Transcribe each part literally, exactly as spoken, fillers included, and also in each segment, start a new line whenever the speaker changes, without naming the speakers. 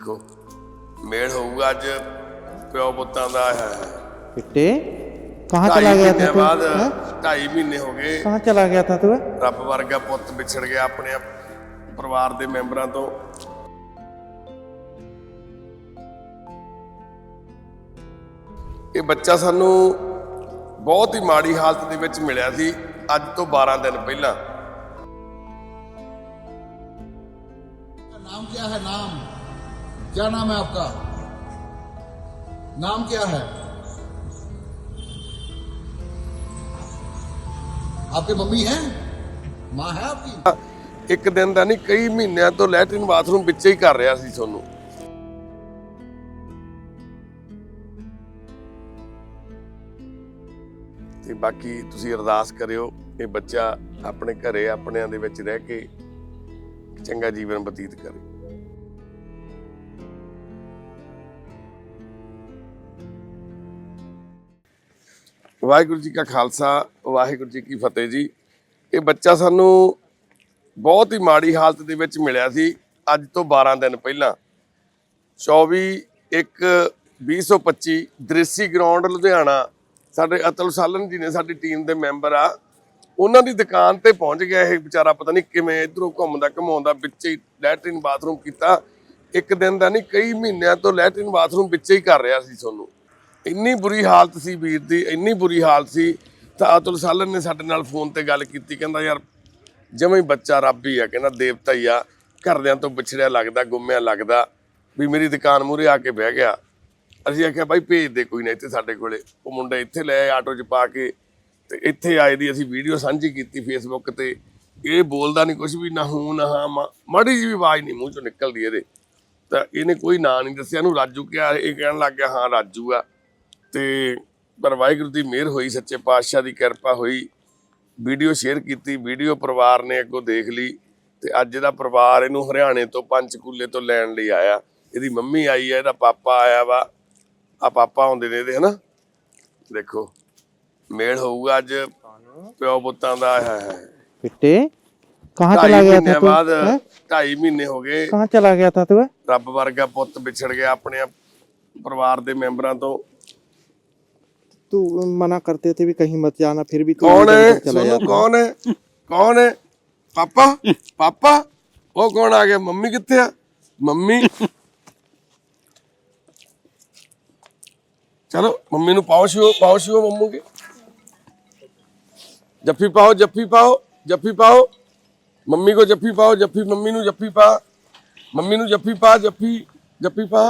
देखो मेल होगा अज प्यो पुत्तां दा है।
बेटे कहाँ चला गया था तू?
बाद
हैं?
ढाई महीने हो गए
कहाँ चला गया था तू?
रब वर्गा पुत विछड़ गया अपने परिवार के मैंबरां तो। ये बच्चा सानू बहुत ही माड़ी हालत दे विच मिलिया सी अज तो बारह दिन पहला।
नाम क्या है? नाम क्या नाम है आपका? नाम क्या है? आपकी मम्मी है? माँ है आपकी?
एक दिन का नहीं कई महीनों तो लैट्रिन बाथरूम विच ही कर रहा सी सोनू। ते बाकी तुसी अरदास करियो ये बच्चा अपने घरे अपने दे विच रह के चंगा जीवन बतीत करे। वाहिगुरू जी का खालसा वाहिगुरू जी की फतेह जी। ये बच्चा सानू बहुत ही माड़ी हालत दे विच मिलिया सी अज तो बारह दिन पहला। चौबी एक भी सौ पच्ची दृसी ग्राउंड लुधियाना साडे अतुल सालन जी ने साडी टीम के मैंबर आ उन्हां दी दुकान ते पहुंच गया। ये बेचारा पता नहीं किवें इधरों घुमदा घुमाउंदा विच ही लैट्रिन बाथरूम कीता। एक दिन का नहीं कई महीनों तो लैट्रिन बाथरूम विच ही कर रहा सी सोनू। इन्नी बुरी हालत सी वीर दी, इन्नी बुरी हालत सी तो अतुल सालन ने साडे नाल फोन ते गल कीती। कहंदा यार जमां ही बच्चा रब ही आ, कहना देवता ही आ, घरदियां तो विछड़िया लगदा गुम्मिया लगदा भी मेरी दुकान मूहरे आके बह गया। असीं आख्या भाई भेज दे कोई ना इत्थे साडे कोले। वो मुंडा इत्थे लै आए आटो च पा के ते इत्थे आए दी असीं वीडियो साझी कीती फेसबुक ते। ये बोलदा नहीं कुछ भी ना हूं ना हाँ माड़ी जी भी आवाज़ नहीं मूँह चों निकलदी इहदे। तां इहने कोई नां नहीं दस्सिया, इहनूं राजू कहा, ये कहण लग गया हाँ राजू आ। ते पर वाहिगुरू की मेहर हुई, सच्चे पातशाह की किरपा हुई। वीडियो शेयर की, वीडियो परिवार ने अगों देख ली ते अज दा परिवार इहनूं हरियाणे तो पंचकूले तो लैण लई आया। इहदी मम्मी आई है, इहदा पापा आया वा, आ पापा आउंदे ने इहदे, है ना। देखो मेल होऊगा अज प्यो पुत्तां दा है।
बेटे कहाँ चला गया था तू?
बाद
हैं?
ढाई महीने हो गए
कहाँ चला गया था तू?
रब वर्गा पुत विछड़ गया अपने परिवार के मैंबरां तो।
तू मना करते थे भी कहीं मत जाना, फिर भी तू
कौन
इधर
है
उधर चला
सोनू?
जाता।
कौन है? कौन है? पापा पापा वो कौन आ गया? मम्मी कित्थे आ? मम्मी चलो मम्मी नु पाओ शिओ पाओ शिओ मम्मू के जफ्फी पाओ जफ्फी पाओ जफ्फी पाओ मम्मी को जफ्फी पाओ जफ्फी मम्मी नु जफ्फी पा मम्मी नु जफ्फी पा जफ्फी जफ्फी पा।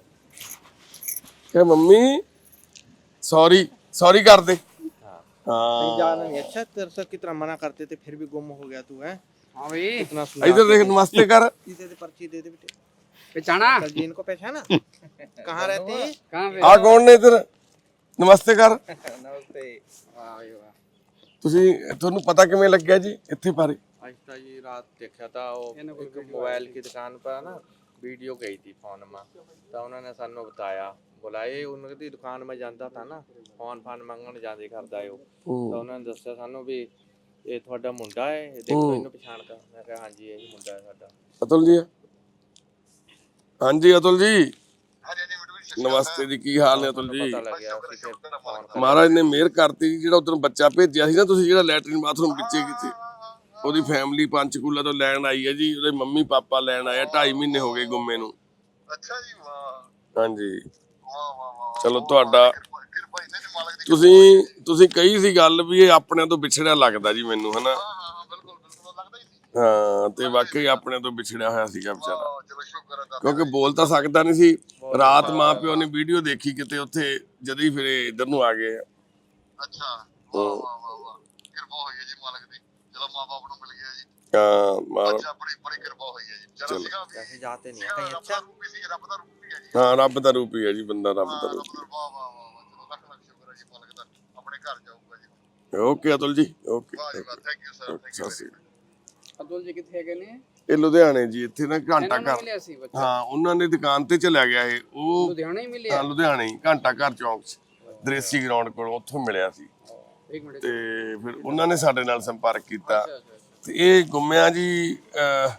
क्या मम्मी सॉरी सॉरी कर दे।
कहीं जाना नहीं। अच्छा तेरे से कितना मना करते थे फिर भी गुम हो गया तू है।
हाँ भाई
इतना
इधर देख नमस्ते कर।
दे दे पर्ची दे दे बेटे।
पहचाना
जी इनको पहचाना? कहाँ रहते हैं?
कहाँ पे?
आ कौन ने इधर नमस्ते कर।
नमस्ते।
वाह भाई वाह।
ਤੁਸੀਂ ਤੁਹਾਨੂੰ पता किवें लग्या जी इत्थे बारे?
आज तो जी रात देखा था वो एक मोबाइल की दुकान पर ना वीडियो गई थी फोन में, तो उन्होंने सानू बताया बुलाए उनकी दुकान में जाता था ना फोन फान मंगन जाते करता है वो, तो उन्होंने दस्या सानू भी ये थोड़ा मुंडा है देखो इन्हों पछाण का। मैं कहा हाँ जी यही मुंडा है साडा।
अतुल जी हाँ जी अतुल जी नमस्ते जी की हाल ने अतुल जी?
पता लग गया उसी से फोन
महाराज ने मेहर करती जी ਜਿਹੜਾ ਉਦੋਂ ਬੱਚਾ ਭੇਜਿਆ ਸੀ ਨਾ ਤੁਸੀਂ ਜਿਹੜਾ ਲੈਟਰਿਨ ਬਾਥਰੂਮ ਵਿੱਚੇ ਕਿਤੇ ਉਹਦੀ ਫੈਮਿਲੀ ਪੰਚਕੂਲਾ ਤੋਂ ਲੈਣ ਆਈ ਹੈ ਜੀ। ਉਹਦੇ ਮੰਮੀ ਪਾਪਾ ਲੈਣ ਆਏ ਢਾਈ ਮਹੀਨੇ ਹੋ ਗਏ ਗੁੰਮੇ ਨੂੰ।
अच्छा जी वाह
ਹਾਂਜੀ
वाह वाह वाह।
ਚਲੋ ਤੁਹਾਡਾ
कृपा इतने मालक दी।
ਤੁਸੀਂ ਤੁਸੀਂ ਕਹੀ ਸੀ ਗੱਲ ਵੀ ਇਹ ਆਪਣਿਆਂ ਤੋਂ ਵਿਛੜਿਆ ਲੱਗਦਾ ਜੀ ਮੈਨੂੰ, ਹਨਾ।
हाँ हाँ हाँ बिल्कुल बिल्कुल लगता ही थी।
ਹਾਂ ਤੇ ਵਾਕਈ ਆਪਣਿਆਂ ਤੋਂ ਵਿਛੜਿਆ ਹੋਇਆ ਸੀਗਾ ਵਿਚਾਰਾ,
हाँ, चलो शुक्र है दाता।
ਕਿਉਂਕਿ ਬੋਲ ਤਾਂ ਸਕਦਾ ਨਹੀਂ ਸੀ। ਰਾਤ ਮਾਂ ਪਿਓ ਨੇ ਵੀਡੀਓ ਦੇਖੀ ਕਿਤੇ ਉੱਥੇ ਜਦ ਹੀ ਫਿਰ ਇਧਰ ਨੂੰ ਆ ਗਏ।
अच्छा वाह वाह वाह वाह कृपा हुई है जी मालक दी। चलो माँ बाप ਨੂੰ मिल गया जी।
ਹਾਂ ਮਾਰ
अच्छा बड़ी बड़ी कृपा हुई है जी। चलो सीगा भी
ऐसे जाते नहीं
सीगा
कहीं।
रब
अच्छा
दा रूप ही सी रब दा रूप ही है जी।
ਹਾਂ ਰੱਬ ਦਾ ਰੂਪ ਹੀ ਹੈ ਜੀ, ਬੰਦਾ ਰੱਬ ਦਾ
हाँ,
ਰੂਪ।
रब दा वाह वाह वाह वाह। चलो लख लख शुक्र है जी मालक दा। अपने घर जाऊंगा जी।
ਓਕੇ ਅਤੁਲ ਜੀ ਓਕੇ।
वाह जी वाह thank you sir thank you
ਸਤਿ ਸ਼੍ਰੀ ਅਕਾਲ।
अब्दुल जी कितने गए ने?
ਇਹ ਲੁਧਿਆਣੇ ਜੀ ਇੱਥੇ ਨਾ ਘੰਟਾ
ਇਹਨਾਂ ਨੂੰ
ਘਰ,
ਮਿਲਿਆ ਸੀ ਬੱਚਾ
ਹਾਂ ਉਹਨਾਂ ਨੇ ਦੁਕਾਨ ਤੇ ਚਲਿਆ ਗਿਆ ਇਹ। ਉਹ
ਲੁਧਿਆਣਾ ਹੀ ਮਿਲਿਆ।
ਹਾਂ ਲੁਧਿਆਣੇ ਹੀ ਘੰਟਾ ਘਰ ਚੌਂਕ 'ਚ ਦ੍ਰੇਸੀ ਗਰਾਊਂਡ ਕੋਲ ਉੱਥੋਂ ਮਿਲਿਆ ਸੀ।
एक मिनट।
ਤੇ ਫਿਰ ਉਹਨਾਂ ਨੇ ਸਾਡੇ ਨਾਲ ਸੰਪਰਕ ਕੀਤਾ।
अच्छा अच्छा अच्छा।
ਤੇ ਇਹ ਗੁੰਮਿਆ ਜੀ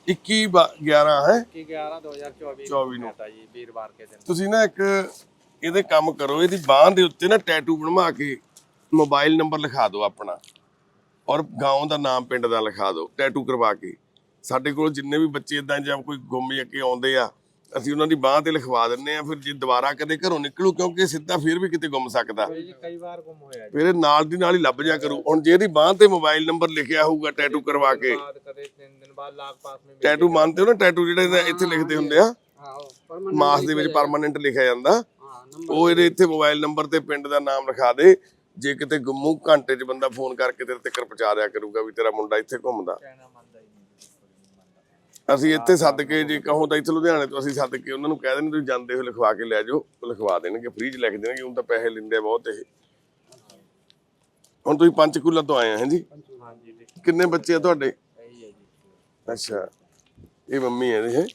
ਇੱਕੀ ਗਿਆਰਾਂ ਹੈ
कि ग्यारह दो हजार चौबीस
चौबीस
में था जी वीरवार के दिन।
ਤੁਸੀਂ ਨਾ ਇੱਕ ਇਹਦੇ ਕੰਮ ਕਰੋ, ਇਹਦੀ ਬਾਂਹ ਦੇ ਉੱਤੇ ਨਾ ਟੈਟੂ ਬਣਵਾ ਕੇ ਮੋਬਾਈਲ ਨੰਬਰ ਲਿਖਾ ਦਿਓ ਆਪਣਾ, ਔਰ ਗਾਉਂ ਦਾ ਨਾਮ ਪਿੰਡ ਦਾ ਲਿਖਾ ਦਿਓ ਟੈਟੂ ਕਰਵਾ ਕੇ। ਸਾਡੇ ਕੋਲ ਜਿੰਨੇ ਵੀ ਬੱਚੇ ਇਦਾਂ ਜਾਂ ਕੋਈ ਗੁੰਮ ਕੇ ਆਉਂਦੇ ਆ, ਅਸੀਂ ਉਹਨਾਂ ਦੀ ਬਾਂਹ ਤੇ ਲਿਖਵਾ ਦਿੰਨੇ ਆ। ਫਿਰ ਜੇ ਦੁਬਾਰਾ ਕਦੇ ਘਰੋਂ ਨਿਕਲੂ, ਕਿਉਂਕਿ ਸਿੱਧਾ ਫਿਰ ਵੀ ਕਿਤੇ ਗੁੰਮ ਸਕਦਾ,
जी कई बार गुम होया जी।
ਫਿਰ ਇਹ ਨਾਲ ਦੀ ਨਾਲ ਹੀ ਲੱਭ ਜਾ ਕਰੂ। ਹੁਣ ਜੇ ਇਹਦੀ ਬਾਂਹ ਤੇ ਮੋਬਾਈਲ ਨੰਬਰ ਲਿਖਿਆ ਹੋਊਗਾ ਟੈਟੂ ਕਰਵਾ ਕੇ,
बाद कदे तीन दिन बाद लाख पास में मिल
ਟੈਟੂ ਮੰਨਦੇ ਹੋ ਨਾ, ਟੈਟੂ ਜਿਹੜੇ ਇੱਥੇ ਲਿਖਦੇ ਹੁੰਦੇ ਆ
हाँ वो परमानेंट
ਮਾਸ ਦੇ ਵਿੱਚ ਪਰਮਾਨੈਂਟ ਲਿਖਿਆ ਜਾਂਦਾ,
हाँ नंबर
ਉਹ ਇਹਦੇ ਇੱਥੇ ਮੋਬਾਈਲ ਨੰਬਰ ਤੇ ਪਿੰਡ ਦਾ ਨਾਮ ਲਿਖਾ ਦੇ। ਜੇ ਕਿਤੇ ਗੁੰਮੂ, ਘੰਟੇ 'ਚ ਬੰਦਾ ਫੋਨ ਕਰਕੇ ਤੇਰੇ ਤੱਕ ਪਹੁੰਚਾ ਦਿਆ ਕਰੂਗਾ ਵੀ ਤੇਰਾ ਮੁੰਡਾ ਇੱਥੇ ਘੁੰਮਦਾ।
कहना मानता ही नहीं।
ਅਸੀਂ ਇੱਥੇ ਸੱਦ ਕੇ, ਜੇ ਕਹੋ ਤਾਂ ਇੱਥੇ ਲੁਧਿਆਣੇ ਤੋਂ ਅਸੀਂ ਸੱਦ ਕੇ ਉਹਨਾਂ ਨੂੰ ਕਹਿ ਦਿੰਦੇ ਤੁਸੀਂ ਜਾਂਦੇ ਹੋ ਲਿਖਵਾ ਕੇ ਲੈ ਜਾਓ, ਉਹ ਲਿਖਵਾ ਦੇਣਗੇ, ਫ੍ਰੀ 'ਚ ਲਿਖ ਦੇਣਗੇ। ਹੁਣ ਤਾਂ ਪੈਸੇ ਲੈਂਦੇ ਆ ਬਹੁਤ ਇਹ। ਹੁਣ ਤੁਸੀਂ ਪੰਚਕੂਲਾ ਤੋਂ ਆਏ ਆ, ਹੈਂ ਜੀ?
हाँ जी ठीक
ਕਿੰਨੇ ਬੱਚੇ ਆ ਤੁਹਾਡੇ?
है ही है जी।
ਅੱਛਾ, ਇਹ ਮੰਮੀ ਹੈ ਇਹ?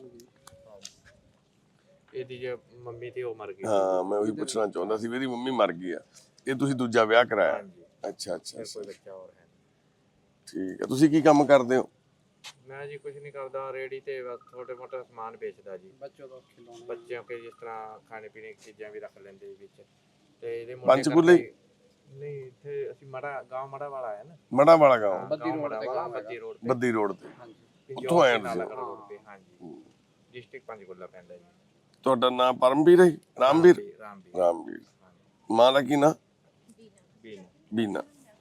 ਇਹਦੀ ਜੇ ਮੰਮੀ ਤੇ ਉਹ ਮਰ ਗਈ।
ਹਾਂ, ਮੈਂ ਉਹੀ ਪੁੱਛਣਾ ਚਾਹੁੰਦਾ ਸੀ ਵੀ ਇਹਦੀ ਮੰਮੀ ਮਰ ਗਈ ਆ। ਇਹ ਤੁਸੀਂ ਦੂਜਾ ਵਿਆਹ ਕਰਾਇਆ?
ਹਾਂਜੀ।
ਅੱਛਾ ਅੱਛਾ,
ਕੋਈ ਬੱਚਾ ਹੋਰ ਹੈ ਨਹੀਂ।
ਠੀਕ ਹੈ। ਤੁਸੀਂ ਕੀ ਕੰਮ ਕਰਦੇ ਹੋ?
ਮੈਂ ਜੀ ਕੁਝ ਨਹੀਂ ਕਰਦਾ, ਰੇੜੀ ਤੇ ਬਸ ਛੋਟੇ ਮੋਟੇ ਸਮਾਨ ਵੇਚਦਾ ਜੀ।
बच्चों को खिलौने
ਬੱਚਿਆਂ ਕੇ ਜਿਸ ਤਰ੍ਹਾਂ ਖਾਣੇ ਪੀਣੇ ਦੀ ਚੀਜ਼ਾਂ ਵੀ ਰੱਖ ਲੈਂਦੇ ਵਿੱਚ। ਤੇ ਇਹਦੇ
ਪੰਚਕੂਲੇ ਹੀ?
ਕਰਕੇ- ਨਹੀਂ, ਇੱਥੇ ਅਸੀਂ ਮੜਾ ਗਾਂव ਮੜਾ ਵਾਲਾ ਹੈ ਨਾ।
ਮੜਾ ਵਾਲਾ ਗਾँव,
ਬੱਦੀ ਰੋਡ ਤੇ ਗਾਂव ਬੱਦੀ ਰੋਡ ਤੇ।
ਬੱਦੀ ਰੋਡ ਤੇ।
हाँ जी
ਉੱਥੋਂ ਆਏ ਹੋ ਤੁਸੀਂ?
ਨਾਲਾਗੜ੍ਹ ਰੋਡ ਤੇ। ਹਾਂਜੀ, ਡਿਸਟ੍ਰਿਕਟ ਪੰਚਕੂਲਾ ਪੈਂਦਾ ਜੀ।
ਤੁਹਾਡਾ ਨਾਮ ਪਰਮਵੀਰ ਹੈ? ਰਾਮਵੀਰ?
ਰਾਮਵੀਰ।
ਰਾਮਵੀਰ। ਮਾਂ ਦਾ ਕੀ ਨਾਂ?
ਬੀਨ।
ਬੀਨਾ।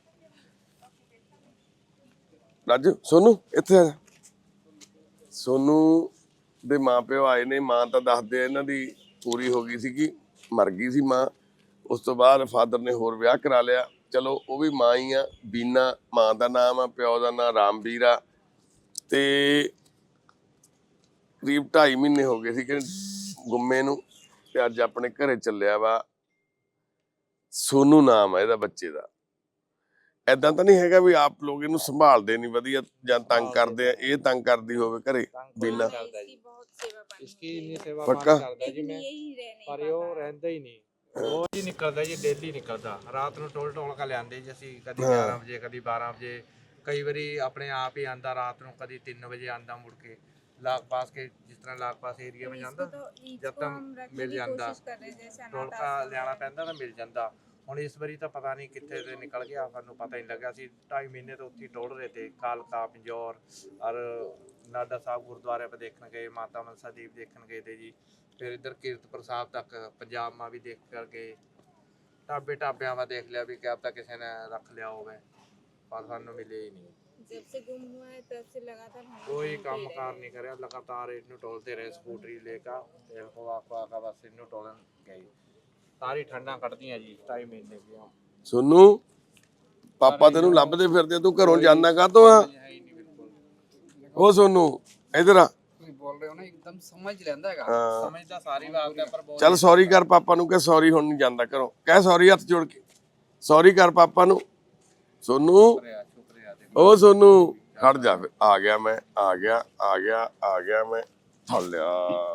ਰਾਜੂ, ਸੋਨੂ ਇੱਥੇ ਆ ਜਾ। ਸੋਨੂ ਦੇ ਮਾਪਿਓ ਆਏ ਨੇ। ਮਾਂ ਤਾਂ ਦੱਸਦੇ ਆ ਇਹਨਾਂ ਦੀ ਪੂਰੀ ਹੋ ਗਈ ਸੀਗੀ, ਮਰ ਗਈ ਸੀ ਮਾਂ। ਉਸ ਤੋਂ ਬਾਅਦ ਫਾਦਰ ਨੇ ਹੋਰ ਵਿਆਹ ਕਰਾ ਲਿਆ। ਚਲੋ ਉਹ ਵੀ ਮਾਂ ਹੀ ਆ। ਬੀਨਾ ਮਾਂ ਦਾ ਨਾਮ ਆ, ਪਿਓ ਦਾ ਨਾਮ ਰਾਮਵੀਰ ਆ। ਤੇ ਕਰੀਬ ਢਾਈ ਮਹੀਨੇ ਹੋ ਗਏ ਸੀ ਕਿ ਗੁੰਮੇ ਨੂੰ, ਤੇ ਅੱਜ ਆਪਣੇ ਘਰੇ ਚੱਲਿਆ ਵਾ। ਸੋਨੂ ਨਾਮ ਆ ਇਹਦਾ ਬੱਚੇ ਦਾ। ਏਦਾਂ ਤਾਂ ਨਹੀਂ ਹੈਗਾ ਵੀ ਆਪ ਲੋਕ ਇਹਨੂੰ ਸੰਭਾਲਦੇ ਨਹੀਂ ਵਧੀਆ ਜਾਂ ਤੰਗ ਕਰਦੇ ਆ, ਇਹ ਤੰਗ ਕਰਦੀ ਹੋਵੇ ਘਰੇ ਬੀਨਾ?
इसकी इतनी सेवा
पक्का?
पानी करता जी मैं, पर ये रहता ही नहीं। रोज ही निकलता जी, डेली निकलता। रात ਨੂੰ ਟੋਲ ਟੋਲ ਕੇ ਲਿਆਂਦੇ ਜੀ ਅਸੀਂ, ਕਦੀ ਗਿਆਰਾਂ ਵਜੇ ਕਦੀ ਬਾਰਾਂ ਵਜੇ, ਕਈ ਵਾਰੀ ਆਪਣੇ ਆਪ ਹੀ ਆਂਦਾ ਰਾਤ ਨੂੰ, ਕਦੀ ਤਿੰਨ ਵਜੇ ਆਂਦਾ ਮੁੜ ਕੇ। ਲਾਗ ਪਾਸ ਕੇ ਜਿਸ ਤਰ੍ਹਾਂ ਲਾਗ ਪਾਸ ਏਰੀਆ ਵਿੱਚ ਜਾਂਦਾ, ਜਦ ਤੱਕ ਮਿਲ ਜਾਂਦਾ ਟੋਲ ਕਾ ਲਿਆਣਾ ਪੈਂਦਾ ਤਾਂ ਮਿਲ ਜਾਂਦਾ। ਹੁਣ ਇਸ ਵਾਰੀ ਤਾਂ ਪਤਾ ਨਹੀਂ ਕਿੱਥੇ ਤੇ ਨਿਕਲ ਗਿਆ, ਸਾਨੂੰ ਪਤਾ ਹੀ ਨਹੀਂ ਲੱਗਾ। ਅਸੀਂ ਢਾਈ ਮਹੀਨੇ ਤੋਂ ਉੱਥੇ ਟੋਲ ਰਹੇ थे। ਕਾਲਕਾ, ਪਿੰਜੌਰ और नाडा साहब गुरुद्वारे पर देखने गए, माता मनसा देवी देखने गए थे जी। फिर इधर कीरतपुर साहब तक पंजाब में भी देख कर गए। ढाबे ढाबिया में देख लिया भी क्या पता किसी ने रख लिया हो, पर सानू मिले ही नहीं।
जब से गुम हुआ है तब से लगातार हम
कोई काम कार नहीं करे, लगातार इन्नू टोलते रहे स्कूटरी लेकर, तेल खवा खवा का बस इन्नू टोलन गए। सारी ठंडा कटदियां जी ढाई महीने की।
ਸੋਨੂ, ਪਾਪਾ ਤੈਨੂੰ ਲੱਭਦੇ ਫਿਰਦੇ, ਤੂੰ ਘਰੋਂ ਜਾਂਦਾ ਕਾਹਤੋਂ ਆ? ਉਹ ਸੋਨੂ ਇਧਰ ਆ।
कोई बोल रहे हो ना, एकदम समझ लेंदा हैगा।
ਹਾਂ,
समझदा सारी बात है, पर बहुत
ਚੱਲ ਸੌਰੀ ਕਰ ਪਾਪਾ ਨੂੰ, ਕਹਿ ਸੌਰੀ ਹੁਣ ਨਹੀਂ ਜਾਂਦਾ ਘਰੋਂ, ਕਹਿ ਸੌਰੀ ਹੱਥ ਜੋੜ ਕੇ ਸੌਰੀ ਕਰ ਪਾਪਾ ਨੂੰ। ਸੋਨੂ,
शुक्रिया देखो।
ਉਹ ਸੋਨੂ ਖੜ ਜਾ। ਫਿਰ ਆ ਗਿਆ ਮੈਂ, ਆ ਗਿਆ ਆ ਗਿਆ ਆ ਗਿਆ ਮੈਂ, ਫੜ ਲਿਆ।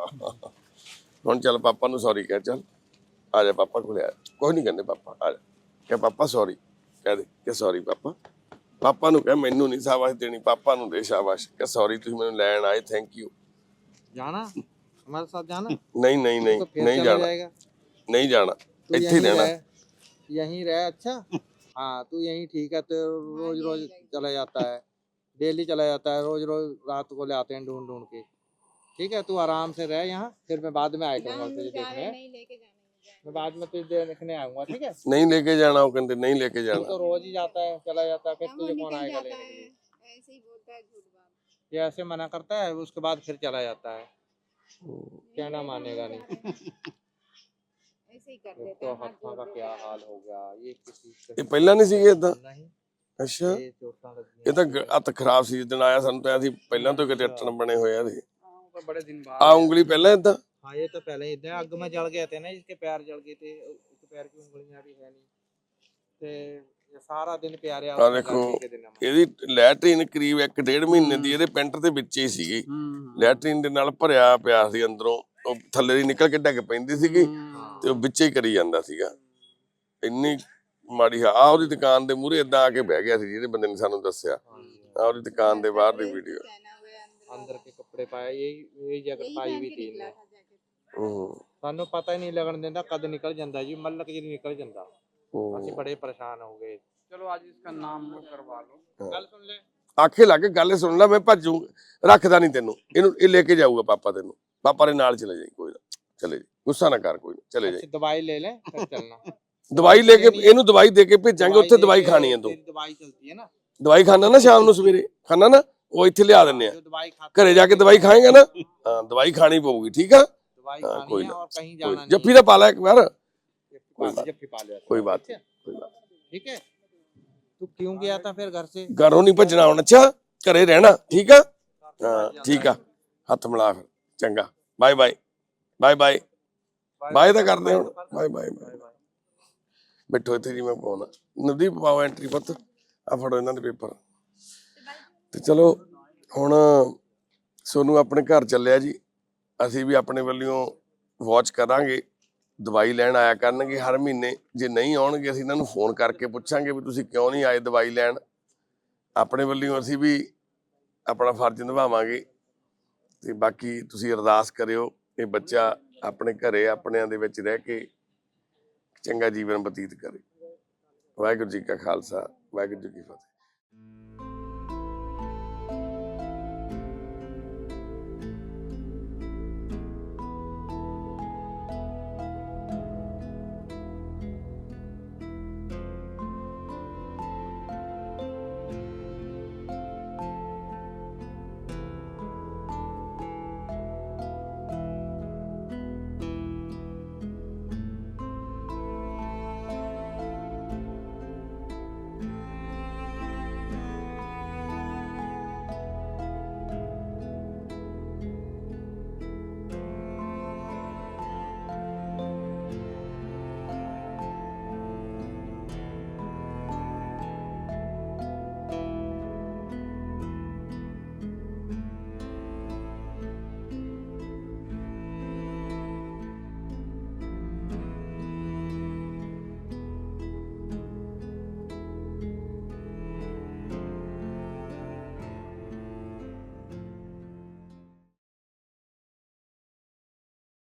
ਹੁਣ ਚੱਲ ਪਾਪਾ ਨੂੰ ਸੌਰੀ ਕਹਿ, ਚੱਲ ਆ ਜਾ ਪਾਪਾ ਕੋਲੇ ਆ। ਕੋਈ ਨਹੀਂ ਕਹਿੰਦੇ ਪਾਪਾ, ਆ ਜਾ, ਕਹਿ ਪਾਪਾ ਸੌਰੀ, ਕਹਿ ਦੇ ਕਿ ਸੌਰੀ ਪਾਪਾ। ਪਾਪਾ ਨੂੰ ਕਹਿ, ਮੈਨੂੰ ਨਹੀਂ ਸ਼ਾਬਾਸ਼ ਦੇਣੀ, ਪਾਪਾ ਨੂੰ ਦੇ ਸ਼ਾਬਾਸ਼, ਕਿ ਸੌਰੀ ਤੁਸੀਂ ਮੈਨੂੰ ਲੈਣ ਆਏ, ਥੈਂਕ ਯੂ।
जाना हमारे साथ जाना?
ਨਹੀਂ ਨਹੀਂ ਨਹੀਂ
तो फिर
ਨਹੀਂ
चला
ਜਾਣਾ,
जाएगा।
ਨਹੀਂ ਜਾਣਾ,
तू
ਇੱਥੇ ਹੀ
यहीं
ਰਹਿਣਾ।
रह, यहीं रह। अच्छा हाँ, तू यहीं ठीक है। तो रोज रोज चला जाता है, डेली चला जाता है, रोज रोज रात को ले आते हैं ढूंढ ढूंढ के। ठीक है, तू आराम से रह यहाँ, फिर मैं बाद में आया करूँगा तुझे देखने।
नहीं लेके जाने
मैं बाद में तुझे देखने आऊंगा, ठीक है?
ਨਹੀਂ ਲੈ ਕੇ ਜਾਣਾ, ਉਹ ਕਹਿੰਦੇ ਨਹੀਂ ਲੈ ਕੇ
तू
ਜਾਣਾ।
तो रोज ही जाता है, चला जाता है, फिर
वो
तुझे कौन
निकल
आएगा
जाता
लेने के
है,
लिए?
ऐसे ही बोलता है झूठ बात।
ये ऐसे मना करता है, उसके बाद फिर चला जाता है, कहना मानेगा नहीं।
ऐसे ही कर
एक
देता
तो
है, हाथ
हाथों
जोड़
का
देता
क्या
है।
हाल हो गया, ये किसी
ਇਹ ਪਹਿਲਾਂ ਨਹੀਂ ਸੀਗੇ ਇਦਾਂ?
नहीं,
ਅੱਛਾ,
ये चोटां लगी
ਇਹ ਤਾਂ ਗ- ਹੱਥ ਖਰਾਬ ਸੀ ਜਦੋਂ ਆਇਆ, ਸਾਨੂੰ ਤਾਂ ਅਸੀਂ ਪਹਿਲਾਂ ਤੋਂ ਕਿਤੇ ਅੱਟਣ ਬਣੇ ਹੋਏ ਆ। ਇਹਦੇ
हाँ, वो तो बड़े दिन बाद
ਆ ਉਂਗਲੀ ਪਹਿਲਾਂ ਇਦਾਂ?
हाँ, ये तो पहले ही इतने आग में जल गए थे ना, इसके पैर जल गए थे, इसके पैर की उंगलियां भी है नहीं। ते ये सारा दिन प्यारे
ਆ ਦੇਖੋ, ਇਹਦੀ ਲੈਟਰੀਨ ਕਰੀਬ ਇੱਕ ਡੇਢ ਮਹੀਨੇ ਦੀ ਇਹਦੇ ਪੈਂਟ ਦੇ ਵਿੱਚ ਹੀ ਸੀਗੀ। ਲੈਟਰੀਨ ਦੇ ਨਾਲ ਭਰਿਆ ਪਿਆ ਸੀ ਅੰਦਰੋਂ, ਉਹ ਥੱਲੇ ਦੀ ਨਿਕਲ ਕੇ ਡਿੱਗ ਪੈਂਦੀ ਸੀਗੀ ਤੇ ਉਹ ਵਿੱਚੇ ਹੀ ਕਰੀ ਜਾਂਦਾ ਸੀਗਾ। ਇੰਨੀ ਮਾੜੀ ਆ। ਉਹਦੀ ਦੁਕਾਨ ਦੇ ਮੂਹਰੇ ਏਦਾਂ ਆ ਕੇ ਬਹਿ ਗਿਆ ਸੀ, ਜਿਹਦੇ ਬੰਦੇ ਨੇ ਸਾਨੂੰ ਦੱਸਿਆ। ਆ ਉਹਦੀ ਦੁਕਾਨ ਦੇ ਬਾਹਰ ਦੀ ਵੀਡੀਓ।
पहना हुआ है अंदर
अंदर के कपड़े पाए, यही यही जैकेट
यही
पाई
पहन
हुई
के
थी
निकला
इन्हें।
था जैकेट।
ਹੂੰ
सानू पता ही नहीं लगन देंदा कद निकल जांदा जी, मलक जी निकल जांदा।
ਹੂੰ
ਅਸੀਂ बड़े परेशान हो गए।
चलो आज इसका नाम वो करवा लो।
गल सुन ले,
ਆਖੇ ਲੱਗ ਗੱਲ ਸੁਣ ਲੈ, ਮੈਂ ਭੱਜੂ ਰੱਖਦਾ ਨਹੀਂ ਤੈਨੂੰ, ਇਹਨੂੰ ਇਹ ਲੈ ਕੇ ਜਾਊਗਾ ਪਾਪਾ ਤੈਨੂੰ, ਪਾਪਾ ਦੇ ਨਾਲ ਚਲੇ ਜਾਈ, ਕੋਈ ਨਾ ਚਲੇ ਜਾਈ, ਗੁੱਸਾ ਨਾ ਕਰ, ਕੋਈ ਨਾ ਚਲੇ ਜਾਈ।
अच्छी दवाई ले ले फिर चलना।
ਦਵਾਈ ਲੈ ਕੇ ਇਹਨੂੰ ਦਵਾਈ ਦੇ ਕੇ ਭੇਜਾਂਗੇ, ਉੱਥੇ ਦਵਾਈ ਖਾਣੀ ਹੈ ਤੂੰ।
तेरी दवाई चलती है ना,
ਦਵਾਈ ਖਾਣਾ ਨਾ ਸ਼ਾਮ ਨੂੰ ਸਵੇਰੇ ਖਾਣਾ ਨਾ, ਉਹ ਇੱਥੇ ਲਿਆ ਦਿੰਨੇ ਆ,
जो दवाई खाते
ਘਰੇ ਜਾ ਕੇ ਦਵਾਈ ਖਾਏਗਾ ਨਾ, ਹਾਂ ਦਵਾਈ ਖਾਣੀ ਪਊਗੀ, ਠੀਕ ਆ।
दवाई
हाँ,
खानी
कोई
है
ना,
और कहीं
ਕੋਈ
जाना
ਜੱਫੀ ਦਾ ਪਾ ਲੈ ਇੱਕ ਵਾਰ,
नहीं। जब पा लिया
ਕੋਈ ਬਾਤ
ठीक है?
ਕੋਈ ਬਾਤ
ठीक है, तू क्यों गया था फिर घर से?
ਘਰੋਂ ਨਹੀਂ ਭੱਜਣਾ ਹੁਣ, ਅੱਛਾ ਘਰੇ ਰਹਿਣਾ, ਠੀਕ ਆ। ਹਾਂ ਠੀਕ ਆ, ਹੱਥ ਮਿਲਾ ਫਿਰ, ਚੰਗਾ, bye bye bye bye bye ਤਾਂ ਕਰਦੇ ਹੁਣ, ਬਾਏ ਬਾਏ ਬਾਏ। ਬੈਠੋ ਇੱਥੇ ਜੀ, ਮੈਂ ਪਾਉਣਾ ਨਵਦੀਪ, ਪਾਓ ਐਂਟਰੀ ਪੁੱਤ, ਆ ਫੜੋ ਇਹਨਾਂ ਦੇ ਪੇਪਰ। ਤੇ ਚਲੋ ਹੁਣ ਸੋਨੂੰ ਆਪਣੇ ਘਰ ਚੱਲਿਆ ਜੀ, ਅਸੀਂ ਵੀ ਆਪਣੇ ਵੱਲੋਂ ਵਾਚ ਕਰਾਂਗੇ, ਦਵਾਈ ਲੈਣ ਆਇਆ ਕਰਨਗੇ ਹਰ ਮਹੀਨੇ, ਜੇ ਨਹੀਂ ਆਉਣਗੇ ਅਸੀਂ ਇਹਨਾਂ ਨੂੰ ਫੋਨ ਕਰਕੇ ਪੁੱਛਾਂਗੇ ਵੀ ਤੁਸੀਂ ਕਿਉਂ ਨਹੀਂ ਆਏ ਦਵਾਈ ਲੈਣ। ਆਪਣੇ ਵੱਲੋਂ ਅਸੀਂ ਵੀ ਆਪਣਾ ਫਰਜ਼ ਨਿਭਾਵਾਂਗੇ, ਤੇ ਬਾਕੀ ਤੁਸੀਂ ਅਰਦਾਸ ਕਰਿਓ ਇਹ ਬੱਚਾ ਆਪਣੇ ਘਰੇ ਆਪਣਿਆਂ ਦੇ ਵਿੱਚ ਰਹਿ ਕੇ ਚੰਗਾ ਜੀਵਨ ਬਤੀਤ ਕਰੇ। ਵਾਹਿਗੁਰੂ ਜੀ ਕਾ ਖਾਲਸਾ, ਵਾਹਿਗੁਰੂ ਜੀ ਕੀ ਫਤਿਹ।